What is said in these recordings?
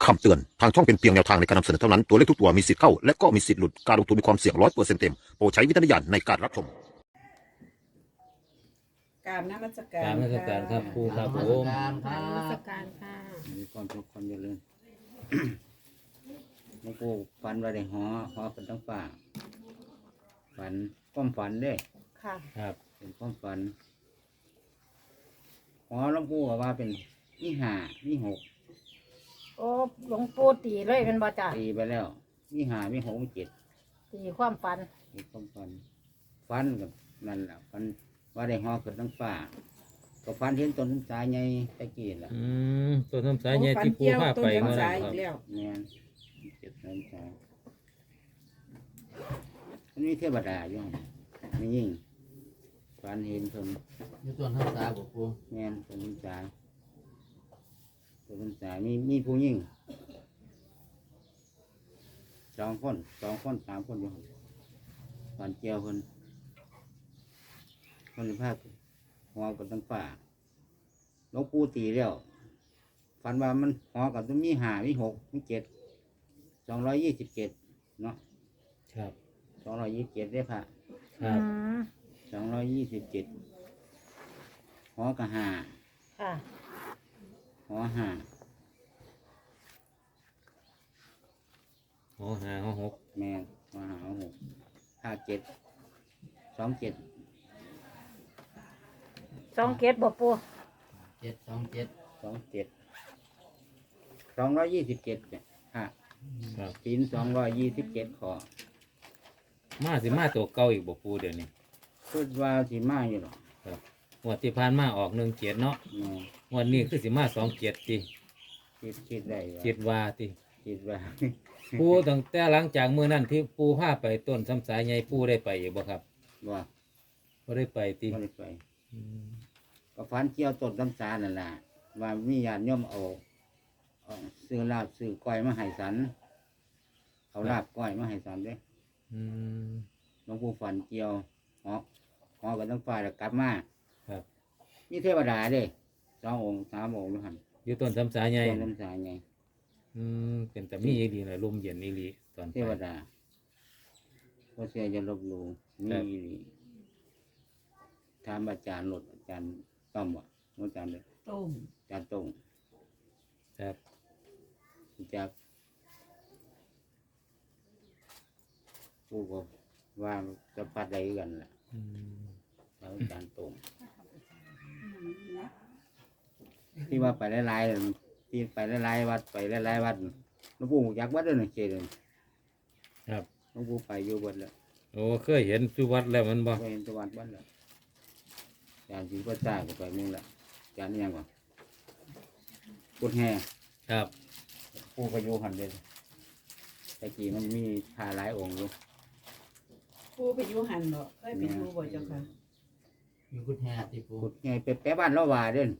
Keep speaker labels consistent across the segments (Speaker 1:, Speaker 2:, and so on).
Speaker 1: คำเตือนทางช่องเป็นเพียงแนวทางในการนำเสนอเท่านั้นตัวเลขทุกตัวมีสิทธิ์เข้าและก็มีสิทธิ์หลุดการลงทุนมีความเสี่ยง100%เต็มโปรดใช้วิจารณญาณในการรับชม
Speaker 2: กราบนมัสกาก
Speaker 3: ราร นมัสการครับครูครับผม
Speaker 4: การค
Speaker 5: กรา
Speaker 4: รั
Speaker 5: รนมัส
Speaker 4: บ
Speaker 5: การค่ะ
Speaker 3: มีความสุขความเจริญ หลวงปู่ฝันว่าได้หอเป็นทั้งป่าฝันความฝันเด้
Speaker 5: ค่ะ
Speaker 3: ครับ เป็นความฝันหอหลวงปู่ก็ว่าเป็นนี่ห้านี่หก
Speaker 5: โอ้หลวงปู่ตีเลยเป็นบ่จ่า
Speaker 3: ตีไปแล้วนี่ห้านี่หกนี่เจ็ด
Speaker 5: ตีความฝัน
Speaker 3: เป็นความฝันฝันกับนั่นแหละฝันว่าได้หอเกิดทั้งป่าก็ฝันเห็นต้นสายใหญ่ตะกี้แหละ
Speaker 2: ต้น
Speaker 3: มา
Speaker 2: สา
Speaker 3: แล้
Speaker 2: ยว อีกแล้ว
Speaker 3: เนี่ยเจ็ดต้นสายมันมีเทวดาอยู่หั่นไม่ยิ่งฝันเห็นคน
Speaker 4: อยู่ต้นทับษาบอกครู
Speaker 3: แม่นต้นสายต้นสายมีผู้ยิ่งสองคนสามคนอยู่หั่นฝันเจียวคนในภาคหัวกับตั้งฝ่าหลวงปู่ตีแล้วฝันว่ามันหัวกับต้องมีห้ามีหกมีเจ็ด227เนาะ
Speaker 4: ครับ
Speaker 3: 227ได้พระ
Speaker 4: ครับ
Speaker 3: 227หัวกับห้า
Speaker 5: ค่ะ
Speaker 3: หัวห้า
Speaker 4: หอหาหอหก
Speaker 3: แม่นหัวห้าหัวหก57 27
Speaker 5: สองเกตบ่ปู
Speaker 4: 727
Speaker 3: 227เนี่ยฮะ
Speaker 4: ครับ
Speaker 3: ศีล227ข้อ
Speaker 4: มาสิมาตัวเก่าอีกบอกครูเดี๋ยวนี้
Speaker 3: คิดว่าสิมาอยู่หรอก
Speaker 4: งวดที่ผ่านมาออก17เนาะ
Speaker 3: แม่
Speaker 4: งวดนี้คือสิมา27ติ
Speaker 3: คิดได้ว่า
Speaker 4: คิดว่าติ
Speaker 3: คิดว่า
Speaker 4: ปูตั้งแต่หลังจากมื้อนั้นที่ปูพาไปต้นซ้ำสายใหญ่ปูได้ไปอยู่บ่ครับ
Speaker 3: ว่า
Speaker 4: บ่ได้ไปติ
Speaker 3: ไม่ได้ไป
Speaker 4: อืม
Speaker 3: ก็ฟันเกี่ยวต้นน้ำสานั่นแหละว่ามีญาติโยมเอาซื้อลาบซื้อก้อยมาให้สันเอาลาบก้อยมาให้สันเด้
Speaker 4: อืม
Speaker 3: หลวงปู่ฟันเกี่ยวหอกันทั้งฝ่ายแล้วกลับมา
Speaker 4: ครับ
Speaker 3: มีเทวดาเด้2 องค์ 3 องค์อยู่หัน
Speaker 4: อยู่ต้นซ้ำสายใหญ่
Speaker 3: ต้นน้ำสาไง
Speaker 4: เป็นแต่มีอีหลีน่ะลมเย็นอีหลีตอนไป
Speaker 3: เทวดาเพราะเสียจะลบหลู่มี
Speaker 4: ครับ
Speaker 3: อีหลีถามอาจารย์หลดอาจารย์ต้อมวะอาจารย์เลย
Speaker 2: ต้ม
Speaker 3: อาจารย์ตรง
Speaker 4: ครับ
Speaker 3: จากผู้ก็ว่าจะปัดใดกันแหละ
Speaker 4: อืม
Speaker 3: แล้วอาจารย์ตรงที่ว่าไปหลายๆที่ไปหลายๆวัดไปหลายๆวัดหลวงปู่อยากวัดด้วยนะเจเลย
Speaker 4: ครับ
Speaker 3: หลวงปู่ไปอยู่วัดแล้ว
Speaker 4: โอ้เคยเห็นสุวัดแล้วมันบ่
Speaker 3: ไปเห็นตะวันวัดแล้วอาจารย์ศรีประจักษ์ก็ไปมึงละอาจารย์นี่ยังวะพุทธแห่
Speaker 4: ครับ
Speaker 3: ปู่ก็อยู่หันเลยแต่กี้มันมีพาหลายองค์อยู่
Speaker 2: ผู้ไปอยู่หันบ่เคยไปอยู่บ่เจ้าค่ะ
Speaker 4: อยู่กุดแฮติปู
Speaker 3: พุทธแห่ไปแปะบ้านละวาเด่น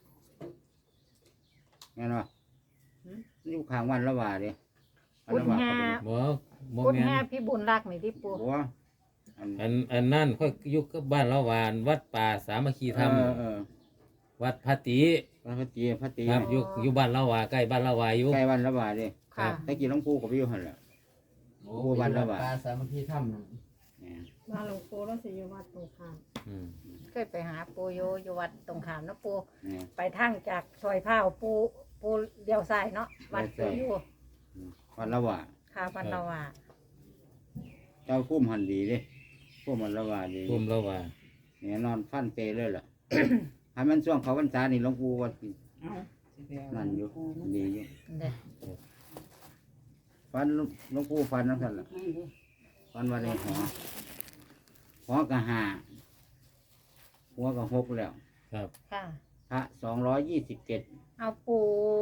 Speaker 3: แม่นวะอยู่ข้างวันละวาเด้อัน
Speaker 5: บุญ
Speaker 3: ละวา
Speaker 5: แฮ
Speaker 3: เขาเป็น
Speaker 4: บ่
Speaker 5: บุญ
Speaker 4: แม่
Speaker 5: แฮ
Speaker 4: น
Speaker 5: พี่บุญรักนี่ที่ปู
Speaker 3: บัวอัน
Speaker 4: อันนั่นค่อยอยู่กับบ้านละวานวัดป่าสามัคคีธรรม วัดพระติ
Speaker 3: พระตีพระตี
Speaker 4: ครับอยู่บ้านละวาใกล้บ้านละวาอยู่
Speaker 3: ใกล้วันละวาเด้
Speaker 5: ค่ะ
Speaker 3: แต่กี้หลวงปู่ก็ไปอยู่หันแหละ ผู้วันละบาท
Speaker 4: ปลาสามัคคีธรรม
Speaker 3: เนี่ย
Speaker 2: มาหลวงปู่แล้วสิอยู่วัดตรงข้าม
Speaker 4: อืม
Speaker 5: เคยไปหาปูอยู่วัดตรงขามเนาะปู
Speaker 3: เนี่ย
Speaker 5: ไปทางจากซอยผ้าวปูเลี้ยวซ้ายเนาะวัดปูอยู่
Speaker 3: วันละวา
Speaker 5: ค่ะพันละว่า
Speaker 3: เจ้าคุ้มหันดีเด้คุ้มมันละวาดี
Speaker 4: ภูมิละวา
Speaker 3: เนี่ยนอนฟันเตเลยล่ะ ให้มันช่วงเขาพรรษานี่หลวงปู่ว่าสิ
Speaker 2: เอ้าสิไปเอา
Speaker 3: นั่นอยู่ดีอยู่
Speaker 5: เด้อ
Speaker 3: ฟันหลวงปู่ฟันนั่นสั่นล่ะฟันว่าในหอกะหาหัวกะหกแล้ว
Speaker 4: ครับ
Speaker 5: ค่ะ
Speaker 3: พระ227
Speaker 5: เอาปู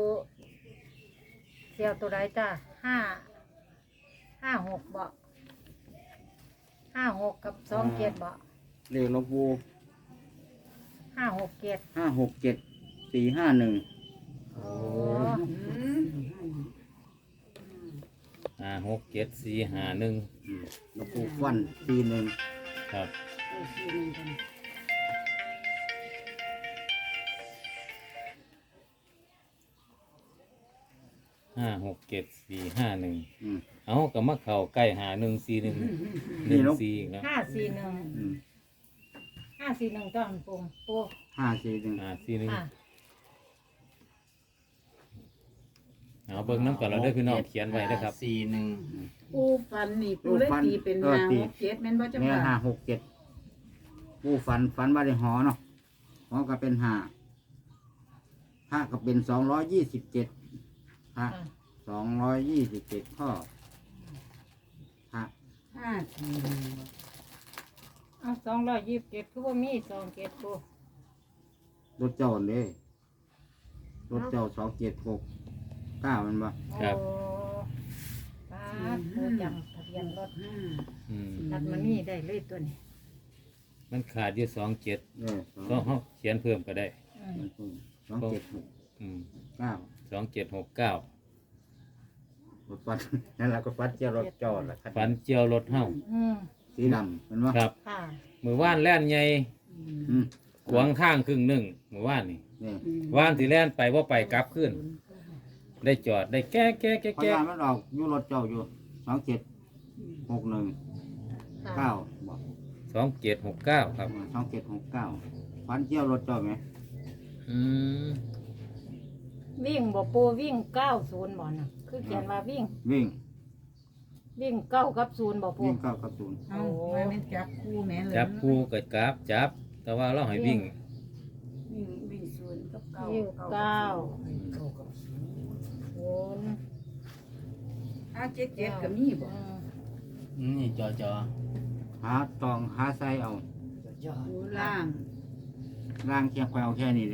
Speaker 5: เที่ยวตัวใดจ้า5 6บ่56กับ2 7บ่
Speaker 3: เรียกหลวงปู่
Speaker 5: 5 6 7
Speaker 3: 567 451
Speaker 5: โอ้
Speaker 2: อืม
Speaker 4: 567451
Speaker 3: หลวงปู่ฟัน41
Speaker 4: ครับ 56741 567 451
Speaker 3: อืม
Speaker 4: เอาก็มาเข้าใกล้5141 14นะ
Speaker 3: อืม
Speaker 5: 541ต้นปูปู
Speaker 3: 541
Speaker 4: 541
Speaker 5: อ่ะ
Speaker 4: เอาเบิ่งน้ำกันเราด้วยพี่น้องเขียนไว้นะครับ
Speaker 6: 41
Speaker 2: ปูฟันนี่ปูเลยตีเป็นหาหกเจ็ดแม่นบ่เจ้า
Speaker 3: แม่
Speaker 2: ค่ะ
Speaker 3: 567ผู้ฝันว่าได้หอเนาะหอก็เป็น5พระก็เป็น227พระ
Speaker 5: อ่ะ
Speaker 3: 227ข้อพระ
Speaker 2: 541บ่
Speaker 5: เอา227คือว่ามี27ปู
Speaker 3: รถเจ้าเลยรถเจ้า2769มันบ่
Speaker 4: ครับ
Speaker 5: โอ้ป้าดปูจำทะเบียนรถ
Speaker 2: 5
Speaker 4: อืม
Speaker 5: ตัดมานี่ได้เลยตัวนี้
Speaker 4: มันขาดอยู่27
Speaker 3: เออ
Speaker 4: ก็เฮาเขียนเพิ่มก็ได้
Speaker 5: อืม
Speaker 3: 276
Speaker 4: อืม
Speaker 3: 9
Speaker 4: 2769
Speaker 3: รถฟัน นั่นแหละก็ฟันเจ้ารถจอดละ
Speaker 4: ฝันเจียวรถเฮา
Speaker 5: อืม
Speaker 3: สีดำมันว่า
Speaker 4: ครับ
Speaker 5: ค่ะ
Speaker 4: มือว่านแล่นใหญ่
Speaker 3: อืม
Speaker 4: ขวางทางครึ่งหนึ่งมือว่านนี่
Speaker 3: นี่
Speaker 4: ว่านสิแล่นไปว่าไปกลับขึ้น ได้จอดได้แก้แก้แก้
Speaker 3: พ
Speaker 4: แก้
Speaker 3: ยานมันออกอยู่รถเจ้าอยู่2761
Speaker 5: ค่ะ
Speaker 3: 9บอก
Speaker 4: 2769 ครับ
Speaker 3: 2769ฟันเจ้ารถเจ้าไหม
Speaker 4: อืม
Speaker 5: วิ่งบ่ปูวิ่ง90บ่น่ะคือเขียนว่าวิ่ง
Speaker 3: วิ่ง
Speaker 5: วิ่ง9กับ0บ่ปู
Speaker 3: วิ่ง9กับ0
Speaker 2: เอาว่าแม่นจับคู่แม่เลย
Speaker 4: จับคู่กับกราบจับ แต่ว่าเราให้วิ่ง
Speaker 2: วิ่งศูนย์กับเก้า
Speaker 5: วิ่ง9 0
Speaker 2: 577ก็มีบ่
Speaker 6: นี่จอ
Speaker 3: หาตองหาไซเอา
Speaker 2: อยู่ล่าง
Speaker 3: ล่างเคียงไปเอาแค่นี้เลย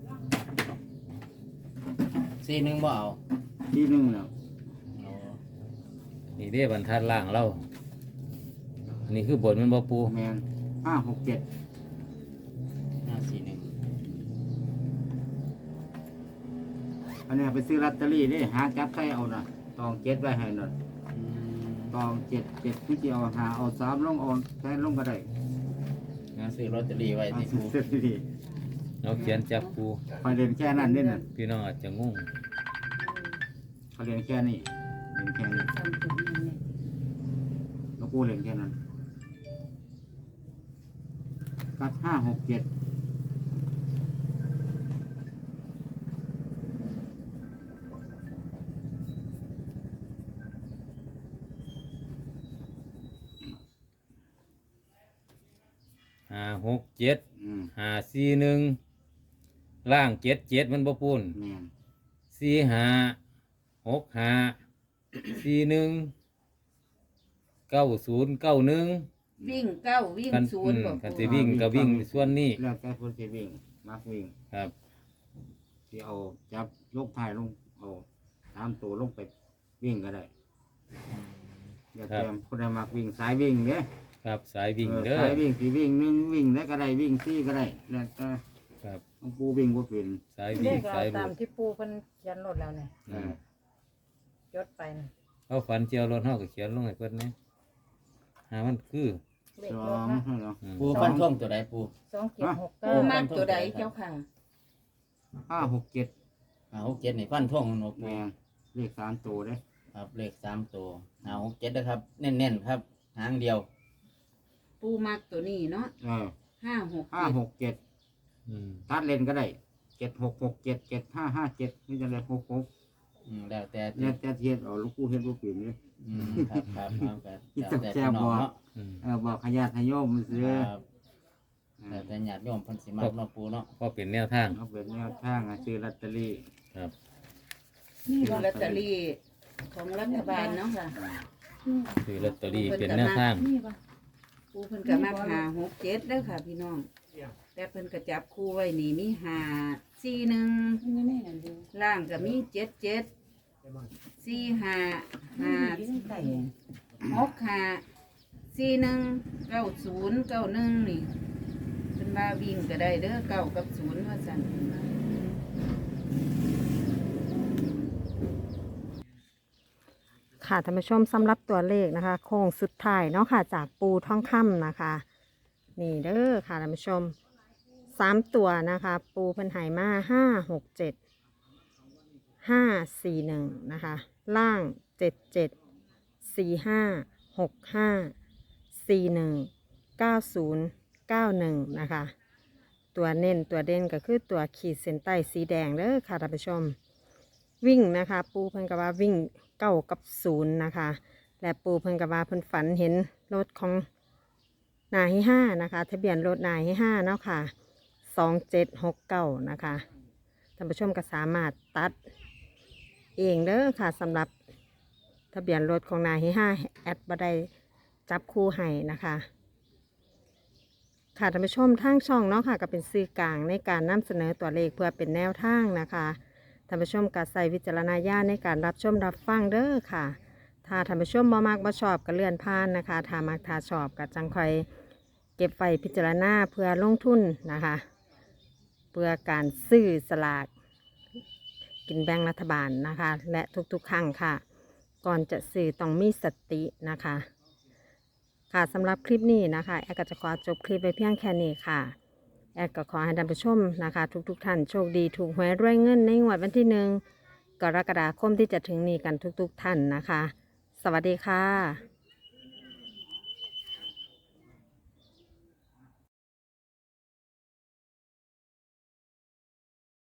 Speaker 6: 41บ่เอา
Speaker 3: ที่หนึงแล้ว
Speaker 6: เอา
Speaker 4: นี่เด้บรรทัดล่างเราอันนี้คือบทมันบ่ปู
Speaker 3: แมน567
Speaker 6: 541
Speaker 3: อันนี้ไปซื้อลอตเตอรี่นี่หาจับไซเอาน่ะตอง7ไว้ให้น่ะ
Speaker 6: อืม
Speaker 3: ตอง7ที่จะเอาหาเอา3ลงเอาแทนลงก็ได้
Speaker 6: งั้นซื้อลอตเตอรี่ไว้
Speaker 3: เอา
Speaker 6: ที่
Speaker 3: ซื้
Speaker 6: ปู
Speaker 3: อลอตเตอรี่
Speaker 4: เราเขียนจับคู่
Speaker 3: คอยเรียนแค่นั้นเด้น่ะ
Speaker 4: พี่น้องอาจจะงง
Speaker 3: เขาเรียนแค่นี้เรียนแค่นี้
Speaker 2: จำจุดนี้เนี่ย
Speaker 3: แล้วกูเรียนแค่นั้นกับ567
Speaker 4: 567
Speaker 3: อืม
Speaker 4: 541ล่าง77มันบ่ปูน
Speaker 3: แม่น
Speaker 4: 4565419091
Speaker 2: วิ่งเก้าวิ่ง
Speaker 4: กัน
Speaker 2: ศูนย์บ่
Speaker 4: กัน
Speaker 2: ปู
Speaker 4: สิวิ่งก็วิ่งส่วนนี้
Speaker 3: แล้วแต่คนจะวิ่งมักวิ่ง
Speaker 4: ครับ
Speaker 3: ที่เอาจับยกท้ายลงเอาตามตัวลงไปวิ่งก็ได้อย่าเตรียมคนใดมักวิ่งสายวิ่งเนี่ย
Speaker 4: ครับสายวิ่งเด้อ
Speaker 3: สายวิ่งสีวิ่งหนึ่งวิ่งแล้วก็ได้วิ่งซี่ก็ได้แล้วแต่
Speaker 4: ครับ
Speaker 3: หลวงปู่วิ่งบ่เป็น
Speaker 4: สาย
Speaker 5: เล
Speaker 4: วิ่ง
Speaker 5: ข
Speaker 4: สา
Speaker 5: เอา
Speaker 4: ย
Speaker 5: ตา
Speaker 4: รู
Speaker 5: ม
Speaker 4: ด
Speaker 5: ที่ปูเพิ่นเขียนรถแล้วเนี่ย
Speaker 3: เออ
Speaker 5: จดไปนะ
Speaker 4: เอาฝันเจียวรถเฮาก็เขียนลงให้เพิ่นนะหามันคือ
Speaker 5: เลข
Speaker 3: ส
Speaker 5: ร
Speaker 3: อ
Speaker 5: ถ
Speaker 3: ง
Speaker 5: นะ
Speaker 3: ให้เนาะ
Speaker 4: อืม
Speaker 6: ปูฟันท่งตัวใดปู
Speaker 2: ปู
Speaker 5: 2769
Speaker 2: มากตัวใดเจ้าค่ะ
Speaker 3: 567
Speaker 6: 567นี่ฟันท่งเนาะปู
Speaker 3: แม่นเลข3ตัวเด้
Speaker 6: ครับเลข3ตัว567นะครับเน้นๆครับหางเดียว
Speaker 2: ปูมากตัวนี้เนาะ
Speaker 3: เออ
Speaker 2: 567
Speaker 4: อืม
Speaker 3: ตัดเลนก็ได้7667 7557นี่จะเลย66
Speaker 6: แล้วแต่
Speaker 3: เนี่ยแต่เทียนเอาลูกปู่เฮ็ดบ่เป็นเลย
Speaker 6: ครับครับครับแต่
Speaker 3: อี
Speaker 6: แล้ว
Speaker 3: ก
Speaker 6: แต่
Speaker 3: แซ่
Speaker 6: พี่
Speaker 3: บ
Speaker 6: น้อง
Speaker 3: บ่
Speaker 6: เนาะ
Speaker 4: อืม
Speaker 3: บอกขยาดขยโยมซื้อ
Speaker 6: ครับแล้วแต่ญาติโยมเพิ่นสิมักเนาะปูเนาะ
Speaker 4: ก็เป็นแนวทาง
Speaker 3: เอาเป็นแนวทางซื้อลอตเตอรี่
Speaker 4: ครับ
Speaker 2: นี่ลอตเตอรี่ของรัฐบาลเนาะค่ะ
Speaker 4: คือลอตเตอรี่เป็นแนวทาง
Speaker 2: ปูเพิ่นก็มา567เด้อค่ะพี่น้อง แต่เพิ่นก็จับคู่ไว้นี่มี541ล่างก็มี77 455654199091นี่เพิ่นว่าวิ่งก็ได้เด้อเก้ากับศูนย์ว่าซั่นเพิ่นว่า
Speaker 5: ค่ะท่านผู้ชมสำหรับตัวเลขนะคะ โค้งสุดท้ายเนาะค่ะ จากปูท่องคำนะคะ นี่เด้อค่ะท่านผู้ชม3ตัวนะคะ ปูเพิ่นใหายมา567 541นะคะล่าง774565419091นะคะตัวเน้นตัวเด่นก็คือตัวขีดเส้นใต้สีแดงเด้อค่ะท่านผู้ชมวิ่งนะคะปูเพิ่นก็ว่าวิ่ง9 กับ 0นะคะและปูเพิ่นก็ว่าเพิ่นฝันเห็นรถของนายห้านะคะทะเบียนรถนายห้าเนาะค่ะ2769นะคะท่านผู้ชมก็สามารถตัดเองเด้อค่ะสำหรับทะเบียนรถของนายห้าแอดบ่ได้จับคู่ให้นะคะค่ะท่านผู้ชมทางช่องเนาะค่ะก็เป็นสื่อกลางในการนำเสนอตัวเลขเพื่อเป็นแนวทางนะคะท่านผู้ชมก็ใส่วิจารณญาณในการรับชมรับฟังเด้อค่ะถ้าท่านผู้ชมบ่มักบ่ชอบก็เลื่อนผ่านนะคะถ้ามักถ้าชอบก็จังค่อยเก็บไว้พิจารณาเพื่อลงทุนนะคะเพื่อการซื้อสลากกินแบ่งรัฐบาลนะคะและทุกๆครั้งค่ะก่อนจะซื้อต้องมีสตินะคะค่ะสำหรับคลิปนี้นะคะแอดก็จะขอจบคลิปไปเพียงแค่นี้ค่ะแอดก็ขอให้ท่านผู้ชมนะคะทุกท่านโชคดีถูกหวยรวยเงินในงวดวันที่1 กรกฎาคมที่จะถึงนี้กันทุกท่านนะคะสวัสดีค่ะ